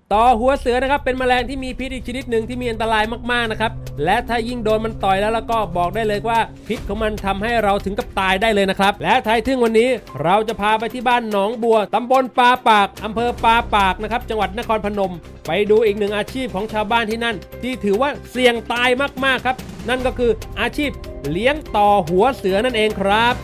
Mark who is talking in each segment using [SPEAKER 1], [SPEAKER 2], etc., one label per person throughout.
[SPEAKER 1] ต่อหัวเสือนะครับเป็นแมลงที่มีพิษอีกชนิดหนึ่งที่มีอันตรายมากๆนะครับและถ้ายิ่งโดนมันต่อยแล้วก็บอกได้เลยว่าพิษของมันทำให้เราถึงกับตายได้เลยนะครับและท้ายทึ่งวันนี้เราจะพาไปที่บ้านหนองบัวตำบลปาปากอำเภอปาปากนะครับจังหวัดนครพนมไปดูอีกหนึ่งอาชีพของชาวบ้านที่นั่นที่ถือว่าเสี่ยงตายมากๆครับนั่นก็คืออาชีพเลี้ยงต่อหัวเสือนั่นเองครับ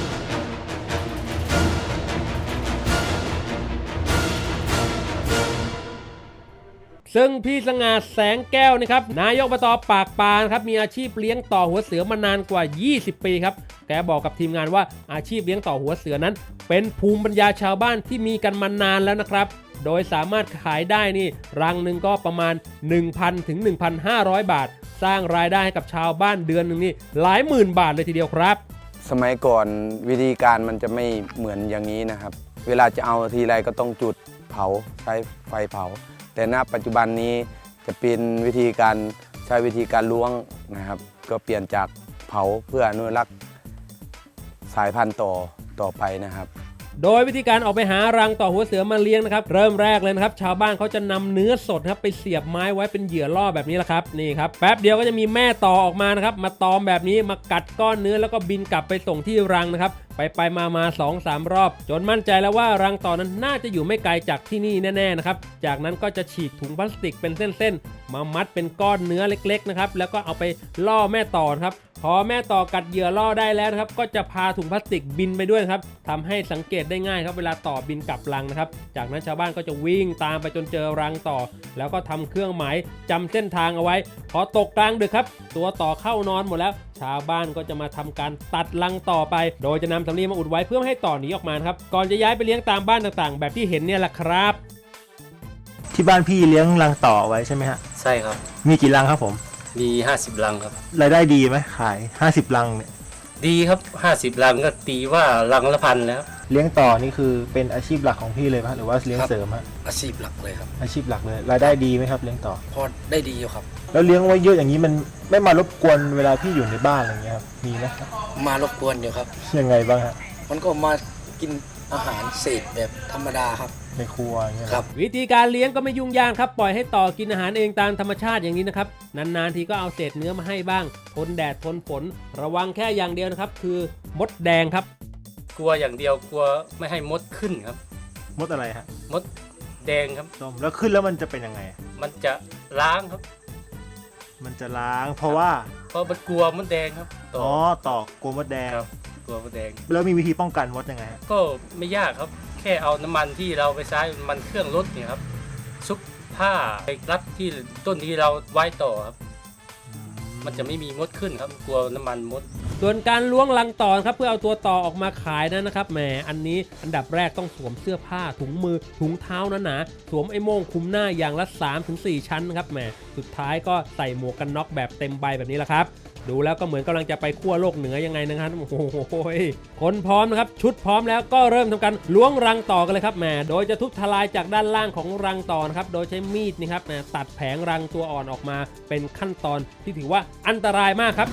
[SPEAKER 1] ซึ่งพี่สง่าแสงแก้วนะครับนายกอบตปากปานครับมีอาชีพเลี้ยงต่อหัวเสือมานานกว่า20ปีครับแกบอกกับทีมงานว่าอาชีพเลี้ยงต่อหัวเสือนั้นเป็นภูมิปัญญาชาวบ้านที่มีกันมานานแล้วนะครับโดยสามารถขายได้นี่รังหนึ่งก็ประมาณ 1,000 ถึง 1,500 บาทสร้างรายได้ให้กับชาวบ้านเดือนหนึ่งนี่หลายหมื่นบาทเลยทีเดียวครับ
[SPEAKER 2] สมัยก่อนวิธีการมันจะไม่เหมือนอย่างนี้นะครับเวลาจะเอาทีไรก็ต้องจุดเผาใช้ไฟเผาแต่ณปัจจุบันนี้จะเป็นวิธีการใช้วิธีการล้วงนะครับก็เปลี่ยนจากเผาเพื่ออนุรักษ์สายพันธุ์ต่อไปนะครับ
[SPEAKER 1] โดยวิธีการออกไปหารังต่อหัวเสือมาเลี้ยงนะครับเริ่มแรกเลยนะครับชาวบ้านเขาจะนำเนื้อสดครับไปเสียบไม้ไว้เป็นเหยื่อล่อแบบนี้แหละครับนี่ครับแป๊บเดียวก็จะมีแม่ต่อออกมานะครับมาตอมแบบนี้มากัดก้อนเนื้อแล้วก็บินกลับไปส่งที่รังนะครับไปมา 2-3 รอบจนมั่นใจแล้วว่ารังต่อนั้นน่าจะอยู่ไม่ไกลจากที่นี่แน่ๆนะครับจากนั้นก็จะฉีกถุงพลาสติกเป็นเส้นๆมามัดเป็นก้อนเนื้อเล็กๆนะครับแล้วก็เอาไปล่อแม่ต่อครับพอแม่ต่อกัดเหยื่อล่อได้แล้วนะครับก็จะพาถุงพลาสติกบินไปด้วยครับทำให้สังเกตได้ง่ายครับเวลาต่อบินกลับรังนะครับจากนั้นชาวบ้านก็จะวิ่งตามไปจนเจอรังต่อแล้วก็ทำเครื่องหมายจำเส้นทางเอาไว้พอตกกลางดึกครับตัวต่อเข้านอนหมดแล้วชาวบ้านก็จะมาทำการตัดรังต่อไปโดยจะนำสำลีมาอุดไว้เพื่อไม่ให้ต่อหนีออกมาครับก่อนจะย้ายไปเลี้ยงตามบ้านต่างๆแบบที่เห็นเนี่ยแหละครับ
[SPEAKER 3] ที่บ้านพี่เลี้ยงรังต่อไว้ใช่ไหมฮะ
[SPEAKER 4] ใช่ครับ
[SPEAKER 3] มีกี่รังครับผม
[SPEAKER 4] มี50รังครับ
[SPEAKER 3] รายได้ดีไหมขาย50รังเนี่ย
[SPEAKER 4] ดีครับ50รังก็ตีว่ารังละพันแล้ว
[SPEAKER 3] เลี้ยงต่อนี่คือเป็นอาชีพหลักของพี่เลยไหมหรือว่าเลี้ยงเสริมฮะ
[SPEAKER 5] อาชีพหลักเลยครับ
[SPEAKER 3] อาชีพหลักเลยรายได้ดีไหมครับเลี้ยงต่อ
[SPEAKER 5] พอได้ดีอยู่ครับ
[SPEAKER 3] แล้วเลี้ยงไว้เยอะอย่างนี้มันไม่มารบกวนเวลาพี่อยู่ในบ้านอะไรเงี้ยครับมีไหม
[SPEAKER 5] มารบกวนอยู่ครับ
[SPEAKER 3] ยังไงบ้างฮะ
[SPEAKER 5] มันก็มากินอาหารเศษแบบธรรมดาครับ
[SPEAKER 3] ในครัวอย่างเงี้ย
[SPEAKER 5] ครับ
[SPEAKER 1] วิธีการเลี้ยงก็ไม่ยุ่งยากครับปล่อยให้ต่อกินอาหารเองตามธรรมชาติอย่างนี้นะครับนานๆทีก็เอาเศษเนื้อมาให้บ้างทนแดดทนฝนระวังแค่อย่างเดียวนะครับคือมดแดงครับ
[SPEAKER 4] กลัวอย่างเดียวกลัวไม่ให้มดขึ้นครับ
[SPEAKER 3] มดอะไรฮะ
[SPEAKER 4] มดแดงครับ
[SPEAKER 3] แล้วขึ้นแล้วมันจะเป็นยังไง
[SPEAKER 4] มันจะล้างครับ
[SPEAKER 3] มันจะล้างเพราะว่า
[SPEAKER 4] มันกลัวมดแดงครับ
[SPEAKER 3] ต่อกลัวมดแดง
[SPEAKER 4] กลัวมดแดง
[SPEAKER 3] แล้วมีวิธีป้องกันมดยังไง
[SPEAKER 4] ก็ไม่ยากครับแค่เอาน้ำมันที่เราไปใช้มันเครื่องรถเนี่ยครับซุกผ้าไปรัดที่ต้นที่เราไว้ต่อครับมันจะไม่มีมดขึ้นครับกลัวน้ำมันมด
[SPEAKER 1] ส่วนการล้วงรังต่อครับเพื่อเอาตัวต่อออกมาขายนะครับแหมอันนี้อันดับแรกต้องสวมเสื้อผ้าถุงมือถุงเท้าหนาๆสวมไอ้โม่งคลุมหน้าอย่างละ 3-4 ชั้นนะครับแหมสุดท้ายก็ใส่หมวกกันน็อกแบบเต็มใบแบบนี้แหละครับดูแล้วก็เหมือนกำลังจะไปขั้วโลกเหนือยังไงนะครับโอ้โหคนพร้อมนะครับชุดพร้อมแล้วก็เริ่มทำการล้วงรังต่อกันเลยครับแหมโดยจะทุบทลายจากด้านล่างของรังต่อนะครับโดยใช้มีดนี่ครับตัดแผงรังตัวอ่อนออกมาเป็นขั้นตอนที่ถือว่าอันตรายมากครับ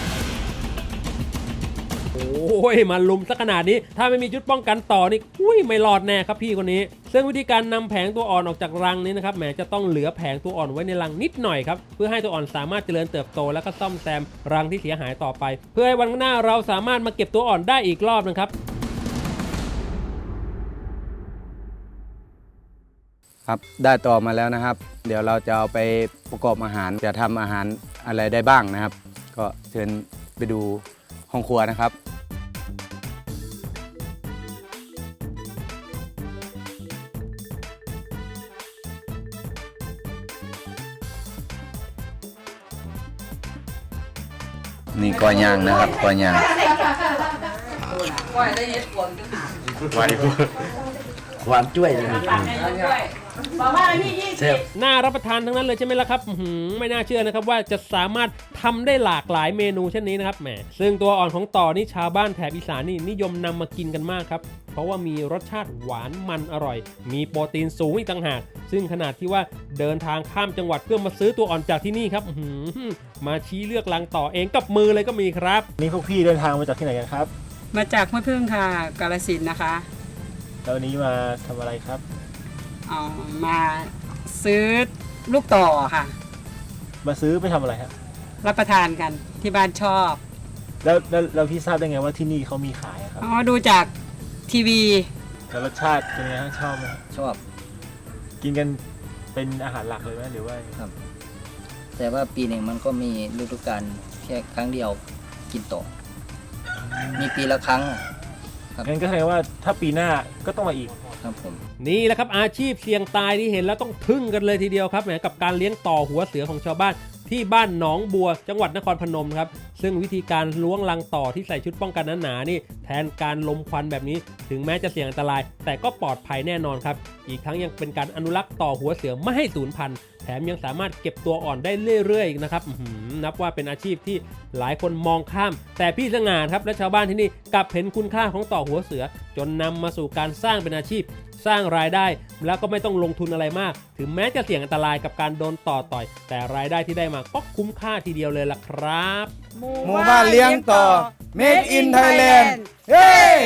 [SPEAKER 1] โอ้ยมาลุมซะขนาดนี้ถ้าไม่มีชุดป้องกันต่อนี่ไม่รอดแน่ครับพี่คนนี้ซึ่งวิธีการนำแผงตัวอ่อนออกจากรังนี้นะครับแหมจะต้องเหลือแผงตัวอ่อนไว้ในรังนิดหน่อยครับเพื่อให้ตัวอ่อนสามารถเจริญเติบโตแล้วก็ซ่อมแซมรังที่เสียหายต่อไปเพื่อให้วันข้างหน้าเราสามารถมาเก็บตัวอ่อนได้อีกรอบนะครับ
[SPEAKER 2] ครับได้ต่อมาแล้วนะครับเดี๋ยวเราจะเอาไปประกอบอาหารจะทำอาหารอะไรได้บ้างนะครับก็เชิญไปดูห้องครัวนะครับนี่ก้อยย่างนะครับก้อยย่างก้อยได้ยินคนความจ้วยเลย
[SPEAKER 1] น่ารับประทานทั้งนั้นเลยใช่ไหมล่ะครับไม่น่าเชื่อนะครับว่าจะสามารถทำได้หลากหลายเมนูเช่นนี้นะครับแหมซึ่งตัวอ่อนของต่อนี่ชาวบ้านแถบอีสานนี่นิยมนำมากินกันมากครับเพราะว่ามีรสชาติหวานมันอร่อยมีโปรตีนสูงอีกต่างหากซึ่งขนาดที่ว่าเดินทางข้ามจังหวัดเพื่อมาซื้อตัวอ่อนจากที่นี่ครับมาชี้เลือกรังต่อเองกับมือเลยก็มีครับ
[SPEAKER 3] นี่พวกพี่เดินทางมาจากที่ไหนกันครับ
[SPEAKER 6] มาจากห้วยพึ่งค่ะกาฬสินธุ์นะคะ
[SPEAKER 3] แล้ววันนี้มาทำอะไรครับ
[SPEAKER 6] มาซื้อลูกต่อค่ะ
[SPEAKER 3] มาซื้อไปทำอะไรครับ
[SPEAKER 6] รับประทานกันที่บ้านชอบ
[SPEAKER 3] แล้วพี่ทราบได้ไงว่าที่นี่เขามีขายอะครับ
[SPEAKER 6] อ๋อดูจากทีวี
[SPEAKER 3] แล้วรสชาติเป็นไงฮะชอบไหม
[SPEAKER 5] ชอบ
[SPEAKER 3] กินกันเป็นอาหารหลักเลยไหมหรือว่า
[SPEAKER 5] แต่ว่าปีหนึ่งมันก็มีฤดูกาลแค่ครั้งเดียวกินต่อ มีปีละครั้งอะ
[SPEAKER 3] งั้นก็แสดงว่าถ้าปีหน้าก็ต้องมาอีก
[SPEAKER 5] ครับผม
[SPEAKER 1] นี่แหละครับอาชีพเสี่ยงตายที่เห็นแล้วต้องทึ่งกันเลยทีเดียวครับแหมกับการเลี้ยงต่อหัวเสือของชาวบ้านที่บ้านหนองบัวจังหวัดนครพนมครับซึ่งวิธีการล้วงรังต่อที่ใส่ชุดป้องกันหนาๆนี่แทนการลมควันแบบนี้ถึงแม้จะเสี่ยงอันตราย แต่ก็ปลอดภัยแน่นอนครับอีกทั้งยังเป็นการอนุรักษ์ต่อหัวเสือไม่ให้สูญพันธุ์แถมยังสามารถเก็บตัวอ่อนได้เรื่อยๆอีกนะครับนับว่าเป็นอาชีพที่หลายคนมองข้าม แต่พี่สง่าครับและชาวบ้านที่นี่กลับเห็นคุณค่าของต่อหัวเสือจนนำมาสู่การสร้างเป็นอาชีพ สร้างรายได้แล้วก็ไม่ต้องลงทุนอะไรมาก ถึงแม้จะเสี่ยงอันตรายกับการโดนต่อต่อย แต่รายได้ที่ได้มาก็คุ้มค่าทีเดียวเลยล่ะครับ
[SPEAKER 2] หมู่บ้านเลี้ยงต่อ Made in Thailand เฮ้